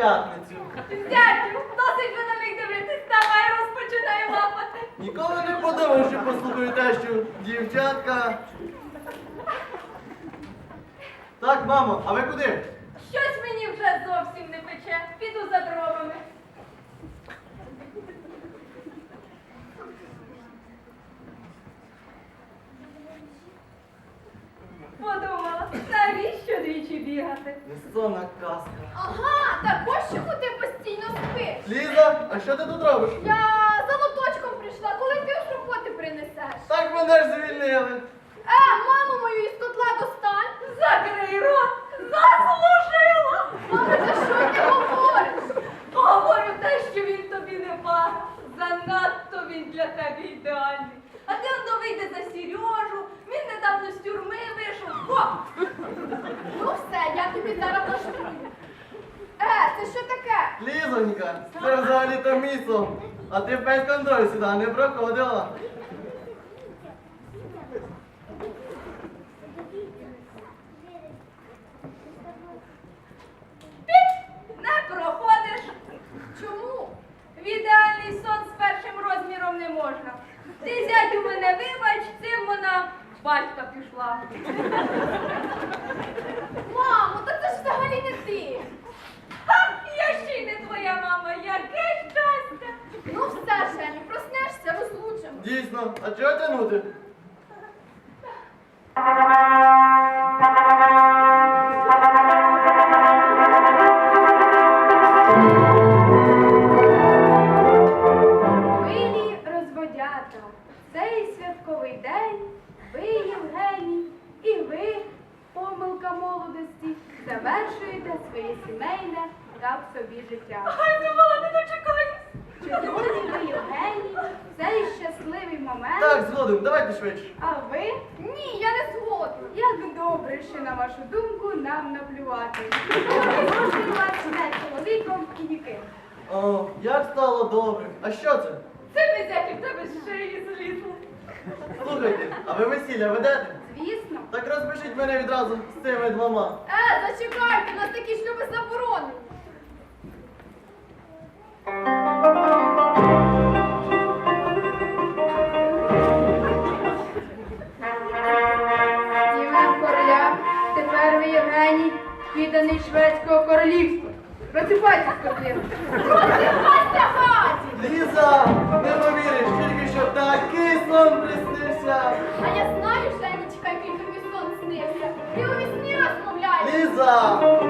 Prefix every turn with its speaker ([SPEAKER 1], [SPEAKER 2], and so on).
[SPEAKER 1] п'ятницю.
[SPEAKER 2] Зятю, досить ви на них дивитись, давай розпочинай лапати.
[SPEAKER 1] Ніколи не подумав, що послухаю те, що дівчатка. Так, мамо, а ви куди?
[SPEAKER 2] Щось мені вже зовсім не пече. Піду за дровами. Подумала, навіщо двічі бігати?
[SPEAKER 1] Несонна казка.
[SPEAKER 2] Ага, так ось чому ти постійно спиш?
[SPEAKER 1] Ліза, а що ти тут робиш?
[SPEAKER 2] Я за лоточком прийшла, коли ти з роботи принесеш.
[SPEAKER 1] Так мене ж звільнили.
[SPEAKER 2] Маму мою із котла достань. Закрий рот, заслужила. Мама, за що ти говориш? Говорю те, що він тобі не пара. Занадто він для тебе ідеальний. А ти воно вийде за Сережу, він недавно з тюрми вийшов. О! Ну все, я тобі зараз влаштую. Це що таке?
[SPEAKER 1] Лізонька, це взагалі-то місо. А ти без контролю сюди не проходила.
[SPEAKER 2] Не проходиш. Чому? В ідеальний сон з першим розміром не можна. Ти, зятю, мене вибач, цим вона батька пішла. Мамо, та це ж взагалі не ти. Ха, я ще й не твоя мама, яке щастя. Ну все, Женю, проснешся, розлучимо.
[SPEAKER 1] Дійсно, а чого тягнути?
[SPEAKER 2] Милі розводята, цей святковий день, ви, Євгеній, і ви, помилка молодості, завершуєте своє сімейне та в собі життя. Ай, думала, не дочекаюсь. Чи згодні ви, Євгеній, в цей щасливий момент?
[SPEAKER 1] Так, згодом, давайте швидше.
[SPEAKER 2] А ви? Ні, я не згодна. Як добре, що на вашу думку нам наплювати. Запрошую вас не чоловіком і ніким.
[SPEAKER 1] О, як стало добре. А що це?
[SPEAKER 2] Це безяки в тебе з шиї злізли.
[SPEAKER 1] Слухайте, а ви весілля ведете?
[SPEAKER 2] Звісно.
[SPEAKER 1] Так розпишіть мене відразу з цими двома.
[SPEAKER 2] Зачекайте, у нас такі шлюби заборонені. Дівен короля, тепер ви, Євгеній, підданий шведського королівства. Просипайся, скотина. Просипайся, хаті!
[SPEAKER 1] Ліза, не повіриш, тільки що такий сон приснився.
[SPEAKER 2] А я знаю, Женечка, який тобі сон снився. Ти у вісні розмовляєш.
[SPEAKER 1] Ліза!